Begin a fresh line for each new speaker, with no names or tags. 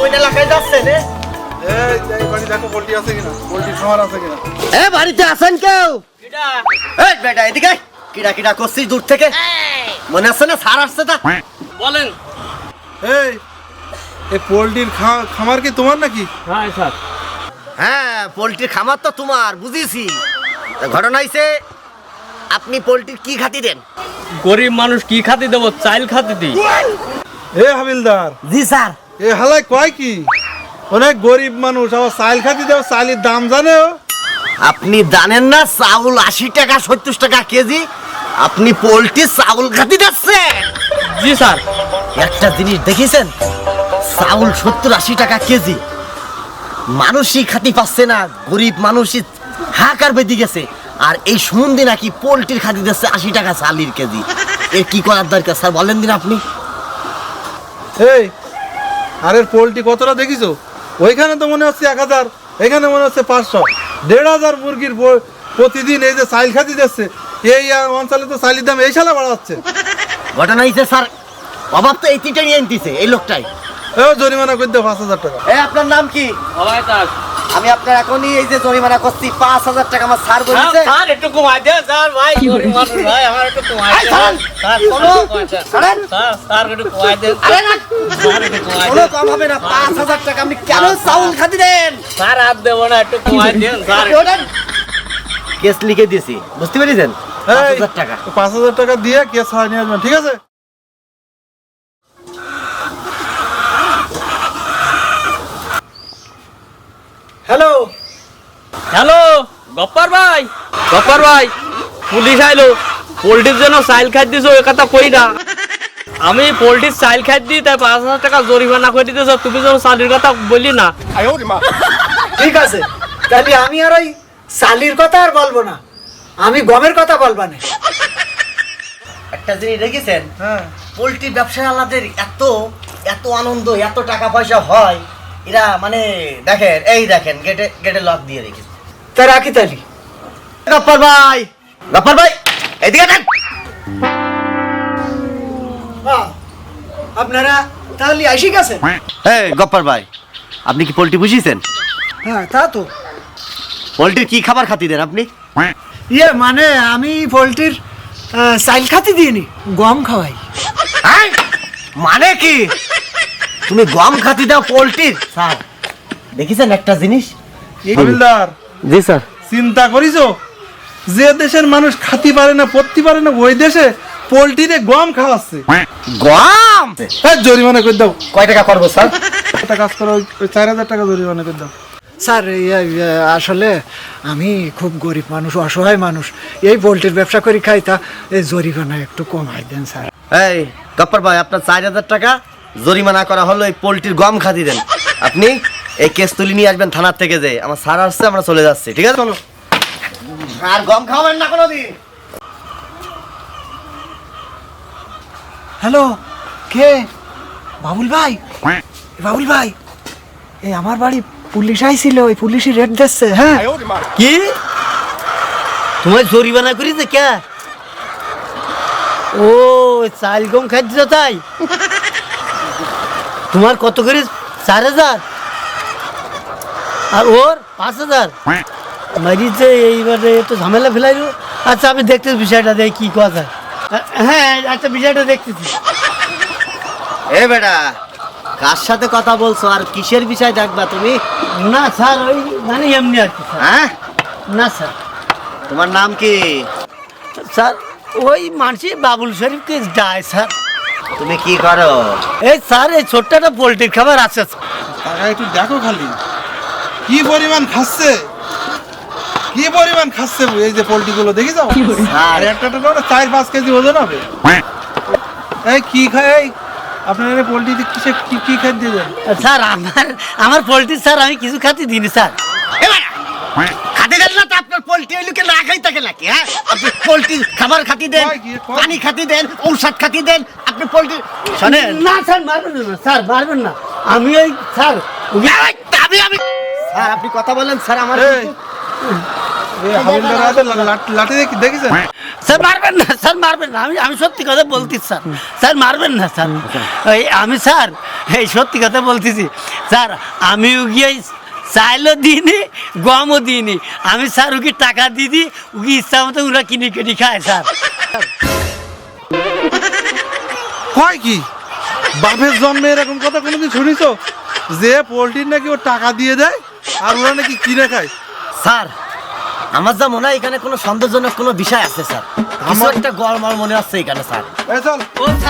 কোন এলাকায় যাচ্ছেন?
এই বাড়ি দেখো পোল্ট্রি আছে কিনা, পোল্ট্রি খামার আছে কিনা।
বাড়িতে আছেন কেউ? বেটা এদিকে কিরা কিরা করছিস দূর থেকে? মনে আছে না স্যার আসছে? তা
বলেন।
এই পোল্ট্রির খামার কি তোমার নাকি?
হ্যাঁ স্যার।
হ্যাঁ, পোল্ট্রির খামার তো তোমার, বুঝেছি। ঘটনা হইছে আপনি পোল্ট্রির কি খাতি দেন?
গরিব মানুষ কি খাতি দেবো? চাইল খাতি দিই।
হাবিলদার।
জি স্যার।
হালাই কয় কি, অনেক গরিব মানুষ আবার চাইল খাতি দেও, চাইলের দাম জানে?
আপনি জানেন না চাউল 80 টাকা 70 টাকা কেজি? আপনি পোল্ট্রির চাউল খাতি দিচ্ছেন?
জি স্যার।
একটা জিনিস দেখেছেন, চাউল 70-80 টাকা কেজি, মানুষই খাতি পাচ্ছে না, গরিব মানুষই হাহাকার বেঁধে গেছে। আর এই সম্বন্ধে নাকি পোল্ট্রির খাতি দিচ্ছে 80 টাকা চালের কেজি। এর কি করার দরকার স্যার বলেন দিন আপনি?
আরে পোল্ট্রি কতটা দেখিছো? ওইখানে তো মনে হচ্ছে 1000, এখানে মনে হচ্ছে 500, 1500 মুরগির প্রতিদিন এই যে চাইল খাতি দিচ্ছে। এই অঞ্চলে তো চাইলের দাম এই সালে বাড়াচ্ছে।
ঘটনা হয়েছে স্যার, অভাব তো এই তিনটা নিয়ে আনতেছে এই লোকটাই।
জরিমানা করে দাও 5000 টাকা।
আপনার নাম কি? আমি আপনার এখনই এই যে জরিমানা করছি 5000 টাকা। আমার স্যার বলেছে
স্যার একটু কমাই দেন স্যার। ভাই গরিব মানুষ ভাই, আমার একটু কমাই দেন স্যার। স্যার একটু কমাই দেন। স্যার একটু কমাই
কোনো
দেন।
কম হবে না। 5000 টাকা আপনি কেন চাউল খাতি দেন?
স্যার হাত দেবো না, একটু কমাই দেন স্যার।
কেস লিখে দিয়েছি, বুঝতে পেরেছেন? 5000 টাকা।
5000 টাকা দিয়ে কেস হারিয়ে নিয়ে আসবেন, ঠিক আছে?
হ্যালো
হ্যালো গপ্পার ভাই, গপ্পার ভাই, পুলিশ আইলো। পোল্ট্রির জন্য চাইল খাই দিছো, ওই কথা কই না। আমি পোল্ট্রির চাইল খাই দিই, তাই 5000 টাকা জরিমানা করে দিতেছ। তুমি যেন চালির কথা বললি না।
ঠিক আছে, তাহলে আমি আর ওই চালির কথা আর বলবো না, আমি গমের কথা বলবো না।
একটা জিনিস দেখেছেন,
হ্যাঁ।
পোল্ট্রি ব্যবসায়ীদের এত এত আনন্দ, এত টাকা পয়সা হয়, এরা মানে দেখেন, এই দেখেন গেটে গেটে লক দিয়ে রেখেছে।
তা রাখি তালি।
গপ্পার ভাই, গপ্পার ভাই এদিকে দেন।
আপনারা তাহলে আসি গেছেন?
এই গপ্পার ভাই, আপনি কি পোল্ট্রি বুঝিয়েছেন?
হ্যাঁ, তা তো।
পোল্ট্রির কি খাবার খাতি দেন আপনি?
মানে আমি পোল্ট্রির চাইল খাতি দিইনি, গম খাওয়াই।
হ্যাঁ? মানে কি তুমি গম খাতি দাও পোল্ট্রির? স্যার দেখেছেন একটা জিনিস?
হাবিলদার,
জি স্যার।
চিন্তা করিছো যে দেশের মানুষ খাতি পারে না, পড়তে পারে না, ওই দেশে পোল্ট্রিরে গম খাওয়াচ্ছে।
গম
জরিমানা করে দাও।
কয় টাকা করবো স্যার?
একটা কাজ করো, ওই 4000 টাকা জরিমানা করে দাও।
স্যার আসলে আমি খুব গরিব মানুষ, অসহায় মানুষ, এই পোল্ট্রির ব্যবসা করি খাই, তা এই জরিমানা একটু কমাই দেন স্যার।
এই গপ্পার ভাই, আপনার 4000 টাকা জরিমানা করা হলো এই পোল্ট্রির গম খাতি দেন। আপনি এই কেস তুলে নিয়ে আসবেন থানার থেকে। যে আমার স্যার আসছে, আমরা চলে যাচ্ছি, ঠিক আছে? চলো। আর গম খাওয়াবেন না কোনোদিন।
হ্যালো, কে? বাবুল ভাই, বাবুল ভাই, এই আমার বাড়ি পুলিশ আইছিল, ওই পুলিশই রেড দিচ্ছে। হ্যাঁ,
কি তোমার জরিমানা করেছে কে? ও চাল গম খাইছ তাই? তোমার কত করে? 4000 আর ওর 5000 মারিছে। এইবারে তো ঝামেলা ফেলাইলো। আচ্ছা আমি দেখতেছি বিষয়টা, দেখি কি কথা। হ্যাঁ আচ্ছা, বিষয়টা দেখতেছি। এ বেটা, কার সাথে কথা বলছো আর কিসের বিষয় দেখবা তুমি? না স্যার, ওই মানে এমনি আর কি। হ্যাঁ না স্যার। তোমার নাম কি? স্যার ওই মানসি বাবুল শরীফকে যায় স্যার। তুমি কি করো? এই স্যার এই ছোট্ট একটা পোল্ট্রির খাবার আছে।
টাকা একটু দেখো খালি কি পরিমাণ খাচ্ছে, কি পরিমাণ খাচ্ছে এই যে পোল্ট্রি গুলো, দেখি যাও। আর একটা 4-5 কেজি ওজন হবে। এই কি খায় আপনার পোল্ট্রিতে? কিসে কি খাদ্য দিয়ে দেন?
স্যার আমার পোল্ট্রি স্যার আমি কিছু খাতে দিইনি স্যার। খাতে দেন না তো আপনার পোল্ট্রি ওই লোকে না খাই থাকে নাকি? হ্যাঁ, আপনি পোল্ট্রি খাবার খাতি দেন, পানি খাতি দেন, ঔষধ খাতি দেন। আপনি পোল্ট্রি শোনেন না স্যার, মারবেন না স্যার, মারবেন না। আমি ওই স্যার আমি স্যার আপনি কথা বলেন স্যার। আমার
লাঠি দেখেছেন?
স্যার মারবেন না স্যার, মারবেন না। আমি সত্যি কথা বলছি স্যার, স্যার মারবেন না স্যার। আমি স্যার এই সত্যি কথা বলতেছি স্যার, আমিও গিয়ে চাইলেও দিইনি, গমও দিইনি। আমি স্যার ওকে টাকা দিয়ে দিই, ওকে ইচ্ছা মতো ওরা কিনে কিনে খায় স্যার।
কয় কি বাপের জন্মে এরকম কথা কোনোদিন শুনিছো যে পোল্ট্রির নাকি ও টাকা দিয়ে দেয় আর ওরা নাকি কিনে খায়?
স্যার আমার যা মনে হয় এখানে কোনো সন্দেহজনক কোনো বিষয় আছে স্যার, কিছু একটা গড়মাল মনে হচ্ছে এখানে স্যার।
এই চল।
ও